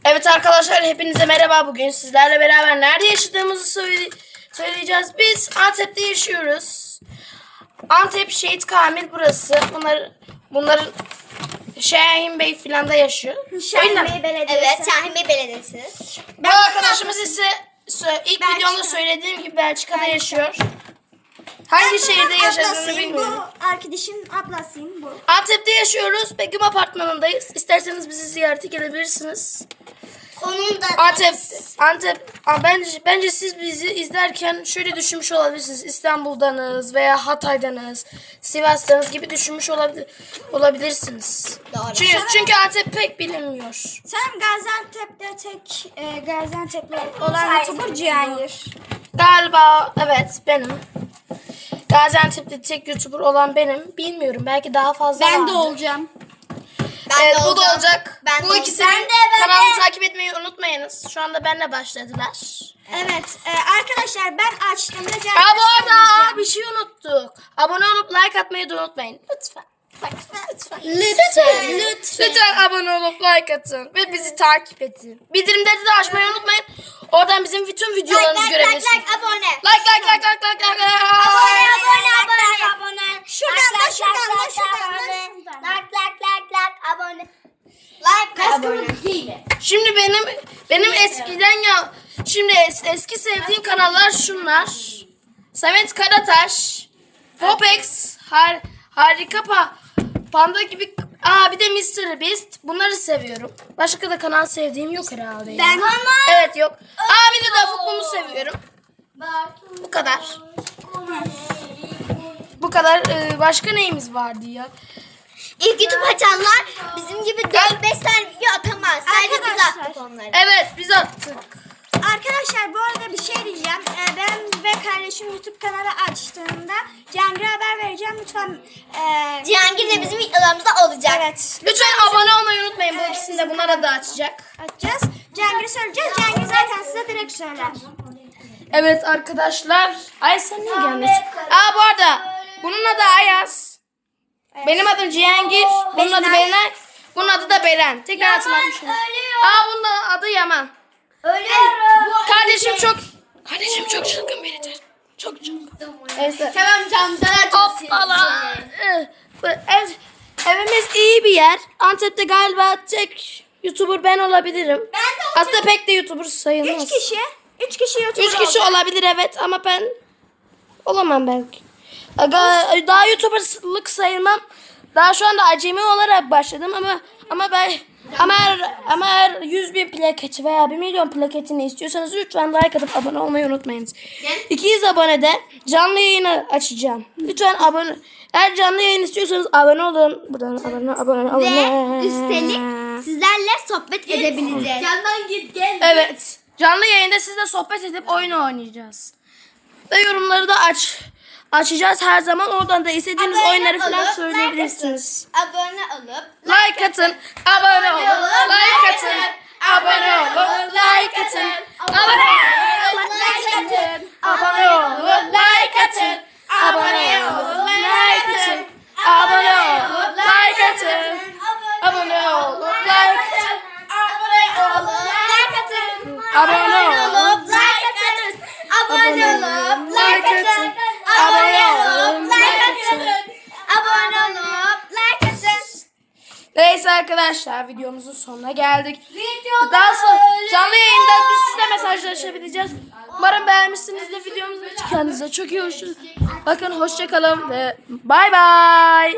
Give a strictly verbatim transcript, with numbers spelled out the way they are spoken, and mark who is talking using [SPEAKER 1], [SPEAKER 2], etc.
[SPEAKER 1] Evet arkadaşlar, hepinize merhaba. Bugün sizlerle beraber nerede yaşadığımızı söyle söyleyeceğiz. Biz Antep'te yaşıyoruz. Antep Şehit Kamil burası. Bunlar bunların Şahin Bey filan da yaşıyor.
[SPEAKER 2] Şahin Bey Belediyesi.
[SPEAKER 3] Evet, Şahin Bey Belediyesi.
[SPEAKER 1] Bu arkadaşımız ise ilk
[SPEAKER 2] Belçika.
[SPEAKER 1] videomda söylediğim gibi Belçika'da yaşıyor. Hangi
[SPEAKER 2] Ben
[SPEAKER 1] şehirde
[SPEAKER 2] bunun
[SPEAKER 1] yaşadığını
[SPEAKER 2] ablasıyım,
[SPEAKER 1] bilmiyorum.
[SPEAKER 2] Bu arkadaşın ablasıyım bu.
[SPEAKER 1] Antep'te yaşıyoruz. Begüm apartmanındayız. İsterseniz bizi ziyarete gelebilirsiniz.
[SPEAKER 3] Konum da
[SPEAKER 1] Antep, Antep, Aa, bence, bence siz bizi izlerken şöyle düşünmüş olabilirsiniz. İstanbul'danız veya Hatay'danız, Sivas'tanız gibi düşünmüş olabilir, olabilirsiniz.
[SPEAKER 3] Doğru.
[SPEAKER 1] Çünkü, çünkü Antep pek bilinmiyor.
[SPEAKER 2] Sen Gaziantep'te tek e, Gaziantep'te olan YouTuber Cihangir.
[SPEAKER 1] Galiba evet benim. Gaziantep'te tek YouTuber olan benim. Bilmiyorum, belki daha fazla
[SPEAKER 2] Ben de
[SPEAKER 1] vardır.
[SPEAKER 2] olacağım.
[SPEAKER 3] Ben
[SPEAKER 1] Evet,
[SPEAKER 3] de
[SPEAKER 1] bu da
[SPEAKER 3] olacağım.
[SPEAKER 1] olacak.
[SPEAKER 3] Ben
[SPEAKER 1] bu
[SPEAKER 3] de
[SPEAKER 1] ikisi
[SPEAKER 3] olacağım. Ben de, ben
[SPEAKER 1] kanalımı
[SPEAKER 3] de.
[SPEAKER 1] takip etmeyi unutmayınız. Şu anda benimle başladılar.
[SPEAKER 2] Evet e, arkadaşlar ben açtığımda Cihangir
[SPEAKER 1] Aa, bu arada
[SPEAKER 2] söyleyeceğim.
[SPEAKER 1] aa, bir şey unuttuk. Abone olup like atmayı da unutmayın. Lütfen. Bak, lütfen.
[SPEAKER 3] Lütfen, lütfen.
[SPEAKER 1] Lütfen abone olup like atın. Ve bizi takip edin. Bildirimleri de açmayı unutmayın. Oradan bizim bütün
[SPEAKER 3] Like,
[SPEAKER 1] videolarımızı
[SPEAKER 3] like, like,
[SPEAKER 1] görebilirsiniz.
[SPEAKER 3] like, abone.
[SPEAKER 1] Like like like like like like.
[SPEAKER 3] Abone, abone, abone, abone.
[SPEAKER 2] Şuradan da,
[SPEAKER 3] Like,
[SPEAKER 2] şuradan da,
[SPEAKER 3] like,
[SPEAKER 2] şuradan da,
[SPEAKER 3] abone.
[SPEAKER 2] şuradan.
[SPEAKER 3] Like, like, like, like, abone. Like, ve abone.
[SPEAKER 1] Şimdi benim benim eskiden ya şimdi es, eski sevdiğim kanallar şunlar. Samet Karataş, Popex, har, Harika pa, Panda gibi. Aa, bir de mister Beast. Bunları seviyorum. Başka da kanal sevdiğim yok herhalde. ya.
[SPEAKER 2] Ben
[SPEAKER 1] Evet yok. Aa, bir de Dafuklu'mu seviyorum. Bu kadar. Bu kadar. Ee, başka neyimiz vardı ya?
[SPEAKER 3] İlk YouTube açanlar bizim gibi dört beş tane video atamaz. Sadece biz
[SPEAKER 2] Arkadaşlar.
[SPEAKER 3] attık onları.
[SPEAKER 1] Evet, biz attık.
[SPEAKER 2] Arkadaşlar bu arada bir şey diyeceğim. Ee, ben ve kardeşim YouTube kanalı açtığında Cihangir'e haber vereceğim. Lütfen e,
[SPEAKER 3] Cihangir de bizim videolarımızda olacak.
[SPEAKER 2] evet.
[SPEAKER 1] Lütfen abone olmayı unutmayın. Bu ikisini de bunlara da açacak.
[SPEAKER 2] Açacağız. Cihangir'i söyleyeceğiz. Cihangir zaten size direkt söyler.
[SPEAKER 1] Evet arkadaşlar. Ay sen niye gelmesin? Aa, bu arada bunun adı Ayaz. Benim adım Cihangir. Bunun adı Berenay. Bunun adı da Beren. Tekrar hatırlatmışım. Aa, bunun da adı Yaman.
[SPEAKER 3] Ölüyorum.
[SPEAKER 1] Kardeşim çok Kardeşim çok çılgın biridir. Çok çılgın. Neyse.
[SPEAKER 3] Tamam tamam sana
[SPEAKER 1] Hoppala. Ee, bu Ev, evimiz iyi bir yer. Antep'te galiba tek YouTuber ben olabilirim.
[SPEAKER 3] Ben de
[SPEAKER 1] Aslında pek de YouTuber sayılmaz.
[SPEAKER 2] Üç kişi. Üç kişi YouTuber
[SPEAKER 1] Üç kişi
[SPEAKER 2] oldu.
[SPEAKER 1] olabilir evet, ama ben olamam belki. Aga, daha YouTuber'lık sayılmam. Daha şu anda acemi olarak başladım ama ama ben ama eğer, ama eğer yüz bin plaketi veya bir milyon plaketini istiyorsanız lütfen like atıp abone olmayı unutmayınız. iki yüz abonede canlı yayını açacağım. Lütfen abone. Eğer canlı yayın istiyorsanız abone olun. Buradan abone abone abone.
[SPEAKER 3] Ve üstelik sizlerle sohbet edebileceğiz. Yandan git gel.
[SPEAKER 1] Evet. Canlı yayında sizle sohbet edip oyun oynayacağız. Ve yorumları da aç açacağız her zaman. Oradan da istediğiniz
[SPEAKER 3] Abone
[SPEAKER 1] oyunları falan
[SPEAKER 3] olup,
[SPEAKER 1] söyleyebilirsiniz.
[SPEAKER 3] Abone olup
[SPEAKER 1] Like atın, abone olun, like atın, abone olun, like atın, abone olun, like atın, abone olun, like atın, abone olun, like atın, abone olun, like atın, abone olun, like atın,
[SPEAKER 3] abone olup like atın.
[SPEAKER 1] abone
[SPEAKER 3] Abone
[SPEAKER 1] olun,
[SPEAKER 3] olup like atın. Abone olup like atın.
[SPEAKER 1] abone
[SPEAKER 3] Abone
[SPEAKER 1] olun,
[SPEAKER 3] olup
[SPEAKER 1] like
[SPEAKER 3] like
[SPEAKER 1] atın.
[SPEAKER 3] atın. Abone olup like atın.
[SPEAKER 1] Neyse arkadaşlar, videomuzun sonuna geldik.
[SPEAKER 3] Videoda
[SPEAKER 1] Daha sonra
[SPEAKER 3] öyle
[SPEAKER 1] canlı yayında biz sizle mesajlaşabileceğiz. Umarım beğenmişsinizdir videomuzu. Kendinize çok iyi hoşçakalın. Bakın, hoşçakalın ve bay bay.